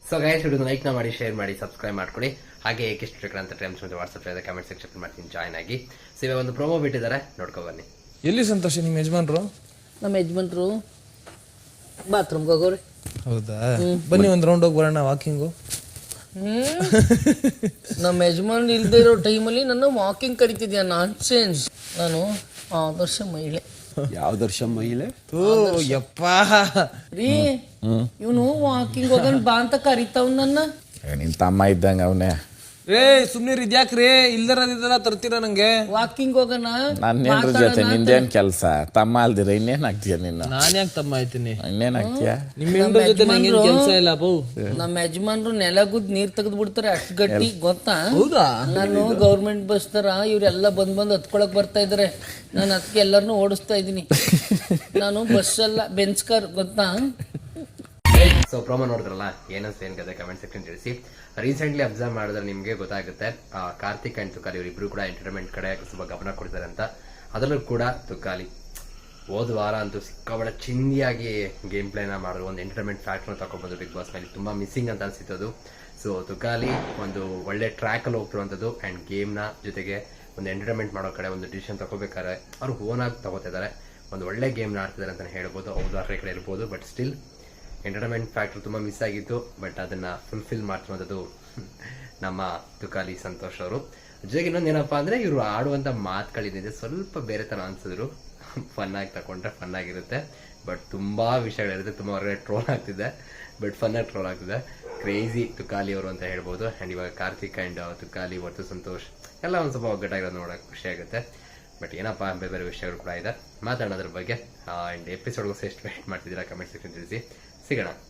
So guys video like ಮಾಡಿ, share ಮಾಡಿ, subscribe ಮಾಡ್ಕೊಳ್ಳಿ. ಹಾಗೆ ಏಕೆಷ್ಟು ಅಂತ ಟೈಮ್ಸ್ ಮತ್ತು ವಾಟ್ಸಪ್ ಕಮೆಂಟ್ ಸೆಕ್ಷನ್ ಮಾಡ್ತೀನಿ, ಜಾಯ್ನ್ ಆಗಿ. ಸೊ ಇವಾಗ ಒಂದು ಪ್ರೋಮೋ ಬಿಟ್ಟಿದ್ದಾರೆ, ನೋಡ್ಕೊ ಬನ್ನಿ. ಎಲ್ಲಿ ಸಂತೋಷ ನಿಮ್ಮ ಯಜಮಾನ್ರು? ನಮ್ಮ ಯಜಮಾನ್ರು ಬಾತ್ರೂಮ್ಗೆ ಹೋಗೋರಿ. ಹೌದಾ, ಬನ್ನಿ ಒಂದ್ ರೌಂಡ್ ಹೋಗಿ ಬರೋಣ ವಾಕಿಂಗು. ನಮ್ಮ ಯಜಮಾನ್ ಇಲ್ದೇ ಇರೋ ಟೈಮಲ್ಲಿ ನನ್ನ ವಾಕಿಂಗ್ ಕರಿತಿದ್ಯಾ? ನಾನ್ ಸೆನ್ಸ್. ನಾನು ಆದರ್ಶ ಮಹಿಳೆ. ಯಾವ್ದರ್ಷ ಮಹಿಳೆ? ಯಪ್ಪ ರೀ, ಇವನು ವಾಕಿಂಗ್ ಹೋಗನ್ ಬಾ ಅಂತ ಕರಿತಾವ್ ನನ್ನ. ನಿನ್ ತಮ್ಮ ಇದ್ದಂಗ ಅವನೇ. ರೇ ಸುಮ್ನೆ ಇದ್ಯಾಕ್ರಿ, ಇಲ್ದರ ತರ್ತೀರ ನಂಗೆ. ವಾಕಿಂಗ್ ಹೋಗೋಣ. ನನ್ನೇನ್ರ ಜೊತೆ ನಿಂದೇನ್ ಕೆಲ್ಸ? ತಮ್ಮ ಅಲ್ದಿರ ಇನ್ನೇನ್ ಆಗ್ತೀಯ ನೀನು? ನಾನ್ ಯಾಕೆ ತಮ್ಮ ಆಯ್ತೀನಿ? ಇನ್ನೇನ್ ಆಗ್ತೀಯ? ನಿಮ್ಮ ಹೆಂಡ್ರ ಜೊತೆ ನಂಗೇನ್ ಕೆಲ್ಸ ಇಲ್ಲ ಬೌ. ನಮ್ಮ ಯಜಮಾನ್ರು ನೆಲಗುದ್ ನೀರ್ ತೆಗೆದು ಬಿಡ್ತಾರೆ, ಅಷ್ಟ್ ಗಟ್ಟಿ ಗೊತ್ತಾ? ಹೌದಾ? ನಾನು ಗೌರ್ಮೆಂಟ್ ಬಸ್ ತರ ಇವ್ರೆಲ್ಲ ಬಂದ್ ಹತ್ಕೊಳಕ್ ಬರ್ತಾ ಇದಾರೆ. ನಾನು ಅದಕ್ಕೆ ಎಲ್ಲರನ್ನೂ ಓಡಿಸ್ತಾ ಇದೀನಿ. ನಾನು ಬಸ್ ಅಲ್ಲ, ಬೆಂಚ್ ಕಾರ್ ಗೊತ್ತಾ? ಸೊ ಪ್ರೋಮೋ ನೋಡಿದ್ರಲ್ಲ, ಏನಂತ ಏನ್ ಕತೆ ಕಮೆಂಟ್ ಸೆಕ್ಷನ್ ತಿಳಿಸಿ. ರೀಸೆಂಟ್ಲಿ ಅಬ್ಸರ್ವ್ ಮಾಡಿದ್ರೆ ನಿಮ್ಗೆ ಗೊತ್ತಾಗುತ್ತೆ, ಕಾರ್ತಿಕ್ ಅಂಡ್ ತುಕಾಲಿ ಇವರಿಬ್ರು ಕೂಡ ಎಂಟರ್ಟೈನ್ಮೆಂಟ್ ಕಡೆ ಸ್ವಲ್ಪ ಗಮನ ಕೊಡ್ತಾರೆ ಅಂತ. ಅದರಲ್ಲೂ ಕೂಡ ತುಕಾಲಿ ಹೋದ ವಾರ ಅಂತೂ ಸಿಕ್ಕಾಬಡ ಚಿಂದಿಯಾಗಿ ಗೇಮ್ ಪ್ಲೇನ ಮಾಡಿದ್ರು. ಒಂದು ಎಂಟರ್ಟೈನ್ಮೆಂಟ್ ಫ್ಯಾಕ್ಟರ್ನ ತಗೊಂಡ್ಬಂದು ಬಿಗ್ ಬಾಸ್ ಮೇಲೆ ತುಂಬಾ ಮಿಸ್ಸಿಂಗ್ ಅಂತ ಅನ್ಸಿತ್ತು. ಸೊ ತುಕಾಲಿ ಒಂದು ಒಳ್ಳೆ ಟ್ರ್ಯಾಕ್ ಅಲ್ಲಿ ಹೋಗ್ತಿರುವಂಥದ್ದು ಅಂಡ್ ಗೇಮ್ ನ ಜೊತೆಗೆ ಒಂದು ಎಂಟರ್ಟೈನ್ಮೆಂಟ್ ಮಾಡೋ ಕಡೆ ಒಂದು ಡಿಸಿಷನ್ ತಗೋಬೇಕಾದ್ರೆ ಅವ್ರು ಓನ್ ಆಗಿ ತಗೋತಿದ್ದಾರೆ. ಒಂದು ಒಳ್ಳೆ ಗೇಮ್ ನ ಆಡ್ತಿದ್ದಾರೆ ಅಂತ ಹೇಳ್ಬೋದು. ಹೌದು, ಆ ಕಡೆ ಇರ್ಬೋದು, ಬಟ್ ಸ್ಟಿಲ್ ಎಂಟರ್ಟೈನ್ಮೆಂಟ್ ಫ್ಯಾಕ್ಟರ್ ತುಂಬ ಮಿಸ್ ಆಗಿತ್ತು. ಬಟ್ ಅದನ್ನ ಫುಲ್ಫಿಲ್ ಮಾಡ್ತಿರೋದು ನಮ್ಮ ತುಕಾಲಿ ಸಂತೋಷ್ ಅವರು. ಜೊತೆಗೆ ಇನ್ನೊಂದೇನಪ್ಪ ಅಂದ್ರೆ ಇವರು ಆಡುವಂತ ಮಾತುಗಳಿದೆ ಸ್ವಲ್ಪ ಬೇರೆ ತರ ಅನ್ಸಿದ್ರು. ಫನ್ ಆಗಿ ತಗೊಂಡ್ರೆ ಫನ್ ಆಗಿರುತ್ತೆ, ಬಟ್ ತುಂಬಾ ವಿಷಯಗಳಿರುತ್ತೆ. ತುಂಬಾ ಹೊರಗಡೆ ಟ್ರೋಲ್ ಆಗ್ತಿದೆ, ಬಟ್ ಫನ್ ಆಗಿ ಟ್ರೋಲ್ ಆಗ್ತಿದೆ. ಕ್ರೇಜಿ ತುಕಾಲಿ ಅವರು ಅಂತ ಹೇಳ್ಬೋದು. ಅಂಡ್ ಇವಾಗ ಕಾರ್ತಿಕ್ ಅಂಡ್ ತುಕಾಲಿ ಮತ್ತು ಸಂತೋಷ್ ಎಲ್ಲ ಒಂದ್ ಸ್ವಲ್ಪ ಒಗ್ಗಟ್ಟಾಗಿರೋದು ನೋಡಕ್ ಖುಷಿ ಆಗುತ್ತೆ. ಬಟ್ ಏನಪ್ಪಾ ಬೇರೆ ಬೇರೆ ವಿಷಯಗಳು ಕೂಡ ಇದೆ, ಮಾತಾಡೋದ್ರ ಬಗ್ಗೆ. ಅಂಡ್ ಎಪಿಸೋಡ್ಗೋಸ್ಕರ ಎಷ್ಟು ವೇಟ್ ಮಾಡ್ತಿದ್ದೀರಾ ಕಮೆಂಟ್ ಸೆಕ್ಷನ್ ತಿಳಿಸಿ. ಸಿಗೋಣ.